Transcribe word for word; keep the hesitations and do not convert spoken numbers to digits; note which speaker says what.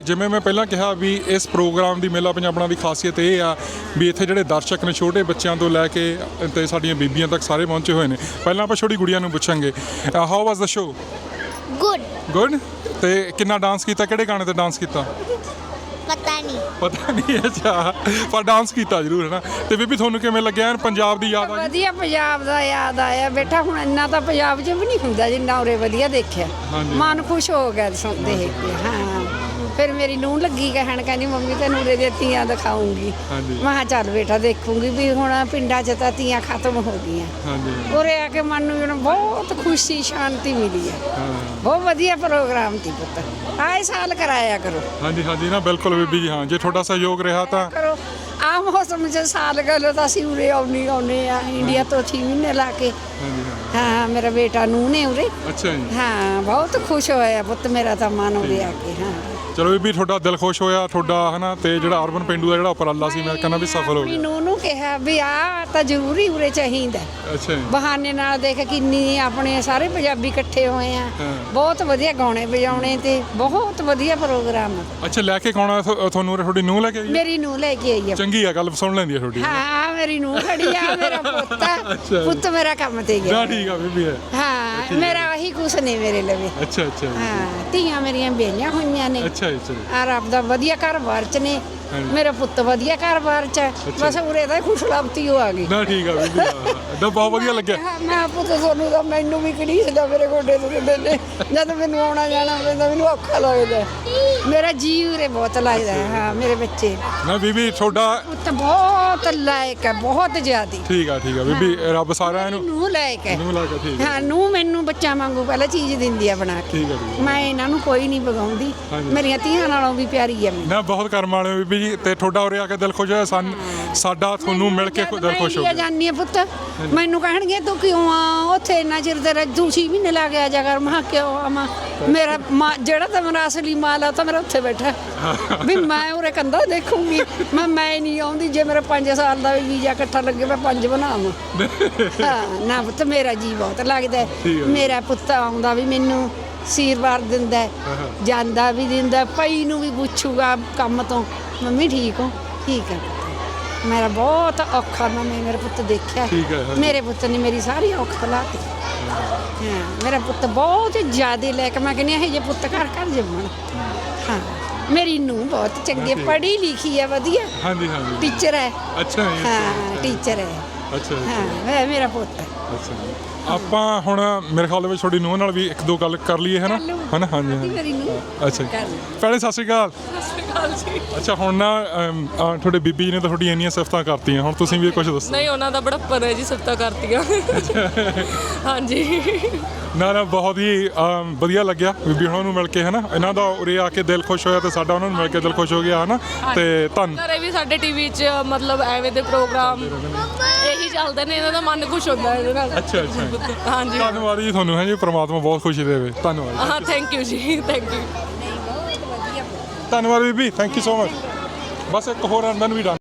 Speaker 1: ਜਿਵੇਂ ਮੈਂ ਪਹਿਲਾਂ ਕਿਹਾ ਵੀ ਇਸ ਪ੍ਰੋਗਰਾਮ ਦੀ ਮੇਲਾ ਪੰਜਾਬਣਾ ਦੀ ਖਾਸੀਅਤ ਇਹ ਆ ਵੀ ਇੱਥੇ ਜਿਹੜੇ ਦਰਸ਼ਕ ਨੇ ਛੋਟੇ ਬੱਚਿਆਂ ਤੋਂ ਲੈ ਕੇ ਤੇ ਸਾਡੀਆਂ ਬੀਬੀਆਂ ਤੱਕ ਸਾਰੇ ਪਹੁੰਚੇ ਹੋਏ ਨੇ। ਪਹਿਲਾਂ ਆਪਾਂ ਛੋਟੀ ਗੁੜੀਆਂ ਨੂੰ ਪੁੱਛਾਂਗੇ, how was the show?
Speaker 2: Good
Speaker 1: good. ਤੇ ਕਿੰਨਾ ਡਾਂਸ ਕੀਤਾ, ਕਿਹੜੇ ਗਾਣੇ ਤੇ ਡਾਂਸ ਕੀਤਾ?
Speaker 2: ਪਤਾ ਨਹੀਂ
Speaker 1: ਪਤਾ ਨਹੀਂ, ਅੱਛਾ, ਪਰ ਡਾਂਸ ਕੀਤਾ ਜ਼ਰੂਰ ਹੈ ਨਾ। ਤੇ ਬੀਬੀ ਤੁਹਾਨੂੰ ਕਿਵੇਂ ਲੱਗਿਆ ਪੰਜਾਬ ਦੀ ਯਾਦ ਆ ਗਈ?
Speaker 3: ਵਧੀਆ ਪੰਜਾਬ ਦਾ ਯਾਦ ਆਇਆ ਬੇਟਾ। ਹੁਣ ਇੰਨਾ ਤਾਂ ਪੰਜਾਬ 'ਚ ਵੀ ਨਹੀਂ ਹੁੰਦਾ ਜਿੰਨਾ ਉਰੇ ਵਧੀਆ ਦੇਖਿਆ। ਮਨ ਖੁਸ਼ ਹੋ ਗਿਆ ਸੁਣ ਦੇਖ ਕੇ। ਹਾਂ, ਫਿਰ ਮੇਰੀ ਨੂੰਹ ਲੱਗੀ ਕਹਿਣ, ਕਹਿੰਦੀ ਮੰਮੀ ਤੈਨੂੰ ਉਰੇ ਦੀਆਂ ਤੀਆਂ ਦਿਖਾਉਂਗੀ। ਮੈਂ ਕਿਹਾ ਚੱਲ ਬੇਟਾ ਦੇਖੂੰਗੀ ਵੀ ਹੁਣ ਪਿੰਡਾਂ 'ਚ ਤਾਂ ਤੀਆਂ ਖਤਮ ਹੋ ਗਈਆਂ। ਉਰੇ ਆ ਕੇ ਮਨ ਨੂੰ ਬਹੁਤ ਖੁਸ਼ੀ ਸ਼ਾਂਤੀ ਮਿਲੀ ਹੈ। ਬਹੁਤ ਵਧੀਆ ਪ੍ਰੋਗਰਾਮ ਸੀ ਪੁੱਤ, ਆਏ ਸਾਲ ਕਰਾਇਆ ਕਰੋ।
Speaker 1: ਹਾਂਜੀ ਹਾਂਜੀ ਨਾ ਬਿਲਕੁਲ ਬੀਬੀ ਜੀ, ਹਾਂ ਜੇ ਤੁਹਾਡਾ ਸਹਿਯੋਗ ਰਿਹਾ ਤਾਂ
Speaker 3: ਕਰੋ। ਆਹ ਮੌਸਮ 'ਚ ਸਾਲ ਗੱਲ ਤਾਂ ਅਸੀਂ ਉਰੇ ਆਉਣੀ ਆਉਨੇ ਆ ਇੰਡੀਆ ਤੋਂ ਛੇ ਮਹੀਨੇ ਲਾ ਕੇ। ਹਾਂ, ਮੇਰਾ ਬੇਟਾ ਨੂੰਹ ਨੇ ਉਰੇ।
Speaker 1: ਅੱਛਾ ਜੀ।
Speaker 3: ਹਾਂ, ਬਹੁਤ ਖੁਸ਼ ਹੋਇਆ ਪੁੱਤ ਮੇਰਾ ਤਾਂ ਮਨ ਉਰੇ ਆ ਕੇ। ਹਾਂ
Speaker 1: ਚਲੋ ਬੀਬੀ, ਤੁਹਾਡਾ ਦਿਲ ਖੁਸ਼ ਹੋਇਆ ਤੁਹਾਡਾ ਹਨਾ। ਤੇ ਜਿਹੜਾ ਅਰਬਨ ਪਿੰਡੂ ਦਾ ਜਿਹੜਾ ਉਪਰਾਲਾ ਸੀ ਮੈਂ ਕਹਿੰਦਾ ਵੀ ਸਫਲ ਹੋ ਗਿਆ।
Speaker 3: ਨੂੰਹ ਨੂੰ ਕਿਹਾ ਵੀ ਆ ਤਾਂ ਜ਼ਰੂਰੀ ਉਰੇ ਚਾਹੀਦਾ।
Speaker 1: ਅੱਛਾ ਜੀ।
Speaker 3: ਬਹਾਨੇ ਨਾਲ ਦੇਖ ਕਿੰਨੀ ਆਪਣੇ ਸਾਰੇ ਪੰਜਾਬੀ ਇਕੱਠੇ ਹੋਏ ਆ। ਬਹੁਤ ਵਧੀਆ ਗਾਉਣੇ ਵਜਾਉਣੇ ਤੇ ਬਹੁਤ ਵਧੀਆ ਪ੍ਰੋਗਰਾਮ।
Speaker 1: ਅੱਛਾ, ਲੈ ਕੇ ਕੌਣ ਆ ਤੁਹਾਨੂੰ? ਤੁਹਾਡੀ ਨੂੰਹ ਲੈ ਕੇ ਆਈ?
Speaker 3: ਮੇਰੀ ਨੂੰਹ ਲੈ ਕੇ ਆਈ ਆ।
Speaker 1: ਚੰਗੀ ਆ, ਗੱਲ ਸੁਣ ਲੈਂਦੀ ਆ ਤੁਹਾਡੀ।
Speaker 3: ਹਾਂ, ਮੇਰੀ ਨੂੰਹ ਖੜੀ ਆ, ਮੇਰਾ ਪੁੱਤ ਆ। ਪੁੱਤ ਮੇਰਾ ਕੰਮ ਤੇ ਗਿਆ।
Speaker 1: ਠੀਕ ਆ ਬੀਬੀ।
Speaker 3: ਹਾਂ, ਮੇਰਾ ਉਹੀ ਕੁਛ ਨੇ ਮੇਰੇ ਲਵੇ।
Speaker 1: ਅੱਛਾ ਅੱਛਾ।
Speaker 3: ਹਾਂ, ਧੀਆਂ ਮੇਰੀਆਂ ਵਿਆਹੀਆਂ ਹੋਈਆਂ ਨੇ।
Speaker 1: ਅੱਛਾ ਅੱਛਾ।
Speaker 3: ਆ ਰੱਬ ਦਾ ਵਧੀਆ ਘਰ-ਬਾਰ ਚ ਨੇ। ਮੇਰਾ ਪੁੱਤ ਵਧੀਆ ਘਰ-ਬਾਰ ਚ। ਬਸ ਉਰੇ ਦਾ ਖੁਸ਼ਲਬਤੀ ਹੋ ਆ ਗਈ
Speaker 1: ਨਾ। ਠੀਕ ਆ ਬੀਬੀ, ਦਾ ਬਹੁਤ ਵਧੀਆ ਲੱਗਿਆ।
Speaker 3: ਮੈਂ ਪੁੱਤ ਤੁਹਾਨੂੰ ਤਾਂ ਮੈਨੂੰ ਵੀ ਘੜੀਸਦਾ, ਮੇਰੇ ਗੋਡੇ ਦੁਖਦੇ ਨੇ ਜਦ ਮੈਨੂੰ ਆਉਣਾ ਜਾਣਾ ਪੈਂਦਾ, ਮੈਨੂੰ ਔਖਾ ਲੱਗਦਾ। ਮੇਰਾ ਜੀ ਉਰੇ ਬਹੁਤ ਲੱਗਦਾ। ਹਾਂ, ਮੇਰੇ ਬੱਚੇ
Speaker 1: ਨਾ ਬੀਬੀ ਤੁਹਾਡਾ
Speaker 3: ਪੁੱਤ ਬਹੁਤ ਲਾਇਕ ਹੈ, ਬਹੁਤ ਜ਼ਿਆਦੀ।
Speaker 1: ਠੀਕ ਆ ਠੀਕ ਆ ਬੀਬੀ, ਰੱਬ ਸਾਰਿਆਂ ਨੂੰ
Speaker 3: ਨੂੰ ਲਾਇਕ ਹੈ।
Speaker 1: ਨੂੰ ਲਾ ਕੇ ਠੀਕ
Speaker 3: ਹਾਂ, ਨੂੰ ਮੈਨੂੰ ਬੱਚਾ ਵਾਂਗੂ ਪਹਿਲਾਂ ਚੀਜ਼ ਦਿੰਦੀ ਆ ਬਣਾ ਕੇ।
Speaker 1: ਠੀਕ ਆ ਜੀ।
Speaker 3: ਮੈਂ ਇਹਨਾਂ ਨੂੰ ਕੋਈ ਨਹੀਂ ਬਗਾਉਂਦੀ, ਮੇਰੀਆਂ ਧੀਆਂ ਨਾਲੋਂ ਵੀ ਪਿਆਰੀ ਹੈ।
Speaker 1: ਨਾ ਬਹੁਤ ਕਰਮ ਵਾਲੇ ਹੋ ਬੀਬੀ ਜੀ। ਤੇ ਤੁਹਾਡਾ ਉਰੇ ਆ ਕੇ ਦਿਲ ਖੁਸ਼ ਹੋਇਆ, ਸਾਨੂੰ ਸਾਡਾ ਤੁਹਾਨੂੰ ਮਿਲ ਕੇ ਦਿਲ ਖੁਸ਼ ਹੋ ਗਿਆ।
Speaker 3: ਜਾਨੀ ਆ ਪੁੱਤ, ਮੈਨੂੰ ਕਹਿਣਗੇ ਤੂੰ ਕਿਉਂ ਆ ਉੱਥੇ ਇੰਨਾ ਚਿਰ ਤੇਰਾ ਦੂਸੀ ਮਹੀਨੇ ਲਾ ਕੇ ਆ ਜਾ ਕਰ। ਮੈਂ ਕਿਉਂ ਆਵਾਂ, ਮੇਰਾ ਜਿਹੜਾ ਤਾਂ ਮੇਰਾ ਅਸਲੀ ਮਾਲ ਆ ਤਾਂ ਮੇਰਾ ਉੱਥੇ ਬੈਠਾ ਵੀ ਮੈਂ ਉਰੇ ਕੰਧਾ ਦੇਖੂੰਗੀ। ਮੈਂ ਮੈਂ ਨਹੀਂ ਆਉਂਦੀ। ਜੇ ਮੇਰਾ ਪੰਜ ਸਾਲ ਦਾ ਵੀਜ਼ਾ ਇਕੱਠਾ ਲੱਗੇ ਮੈਂ ਪੰਜ ਬਣਾਵਾਂ। ਹਾਂ ਨਾ ਪੁੱਤ, ਮੇਰਾ ਜੀ ਬਹੁਤ ਲੱਗਦਾ। ਮੇਰਾ ਪੁੱਤ ਆਉਂਦਾ ਵੀ ਮੈਨੂੰ ਆਸ਼ੀਰਵਾਦ ਦਿੰਦਾ, ਜਾਂਦਾ ਵੀ ਦਿੰਦਾ। ਪਈ ਨੂੰ ਵੀ ਪੁੱਛੂਗਾ ਕੰਮ ਤੋਂ, ਮੰਮੀ ਠੀਕ ਹੋ? ਠੀਕ ਹੈ ਪੁੱਤ। ਮੇਰਾ ਬਹੁਤ ਔਖਾ ਮੈਂ ਮੇਰਾ ਪੁੱਤ ਦੇਖਿਆ। ਮੇਰੇ ਪੁੱਤ ਨੇ ਮੇਰੀ ਸਾਰੀ ਔਖ ਲਾਤੀ। ਹਾਂ, ਮੇਰਾ ਪੁੱਤ ਬਹੁਤ ਜ਼ਿਆਦਾ ਲੈ ਕੇ ਮੈਂ ਕਹਿੰਦੀ ਇਹ ਜੇ ਪੁੱਤ ਘਰ ਘਰ ਜੰਮਣ। ਹਾਂ, ਮੇਰੀ ਨੂੰਹ ਬਹੁਤ ਚੰਗੀ, ਪੜ੍ਹੀ ਲਿਖੀ ਹੈ, ਵਧੀਆ।
Speaker 1: ਹਾਂਜੀ ਹਾਂਜੀ।
Speaker 3: ਟੀਚਰ ਹੈ।
Speaker 1: ਅੱਛਾ ਜੀ।
Speaker 3: ਹਾਂ, ਟੀਚਰ ਹੈ।
Speaker 1: ਅੱਛਾ
Speaker 3: ਹਾਂ, ਮੇਰਾ ਪੁੱਤ ਹੈ।
Speaker 1: ਅੱਛਾ, ਆਪਾਂ ਹੁਣ ਮੇਰੇ ਖਿਆਲ ਦੇ ਵਿੱਚ ਤੁਹਾਡੀ ਨੂੰਹ ਨਾਲ ਵੀ ਇੱਕ ਦੋ ਗੱਲ ਕਰ ਲਈਏ, ਹੈ ਨਾ? ਹਨਾ? ਹਾਂਜੀ ਹਾਂਜੀ।
Speaker 3: ਮੇਰੀ ਨੂੰਹ।
Speaker 1: ਅੱਛਾ ਭੈਣੇ, ਸਤਿ ਸ਼੍ਰੀ ਅਕਾਲ।
Speaker 4: ਸਤਿ ਸ਼੍ਰੀ ਅਕਾਲ ਜੀ।
Speaker 1: ਅੱਛਾ, ਹੁਣ ਨਾ ਅਮ, ਅ, ਤੁਹਾਡੇ ਬੀਬੀ ਜੀ ਨੇ ਤਾਂ ਤੁਹਾਡੀਆਂ ਇੰਨੀਆਂ ਸਿਫਤਾਂ ਕਰਤੀਆਂ, ਹੁਣ ਤੁਸੀਂ ਵੀ ਕੁਝ ਦੱਸੋ।
Speaker 4: ਨਹੀਂ, ਉਹਨਾਂ ਦਾ ਬੜਾਪਨ ਹੈ ਜੀ, ਸਿਫਤਾਂ ਕਰਤੀਆਂ। ਹਾਂਜੀ।
Speaker 1: ਨਾ ਨਾ ਬਹੁਤ ਹੀ ਅਮ, ਵਧੀਆ ਲੱਗਿਆ ਬੀਬੀ ਉਹਨਾਂ ਨੂੰ ਮਿਲ ਕੇ, ਹੈ ਨਾ? ਇਹਨਾਂ ਦਾ ਉਰੇ ਆ ਕੇ ਦਿਲ ਖੁਸ਼ ਹੋਇਆ ਤੇ ਸਾਡਾ ਉਹਨਾਂ ਨੂੰ ਮਿਲ ਕੇ ਦਿਲ ਖੁਸ਼ ਹੋ ਗਿਆ, ਹੈ ਨਾ? ਤੇ ਧੰਨ
Speaker 4: ਘਰੇ ਵੀ ਸਾਡੇ ਟੀਵੀ 'ਚ ਮਤਲਬ ਐਵੇਂ ਦੇ ਪ੍ਰੋਗਰਾਮ ਇਹੀ ਚੱਲਦੇ ਨੇ, ਇਹਨਾਂ ਦਾ ਮਨ ਖੁਸ਼ ਹੁੰਦਾ ਇਹਦੇ ਨਾਲ।
Speaker 1: ਅੱਛਾ ਅੱਛਾ।
Speaker 4: ਹਾਂਜੀ,
Speaker 1: ਧੰਨਵਾਦ ਜੀ ਤੁਹਾਨੂੰ, ਹੈ ਜੀ। ਪ੍ਰਮਾਤਮਾ ਬਹੁਤ ਖੁਸ਼ੀ ਦੇਵੇ। ਧੰਨਵਾਦ।
Speaker 4: ਹਾਂ, ਥੈਂਕ ਯੂ ਜੀ, ਥੈਂਕ ਯੂ।
Speaker 1: ਧੰਨਵਾਦ ਬੀਬੀ, ਥੈਂਕ ਯੂ ਸੋ ਮਚ। ਬਸ ਇੱਕ ਹੋਰ ਅੰਦਰ ਨੂੰ ਵੀ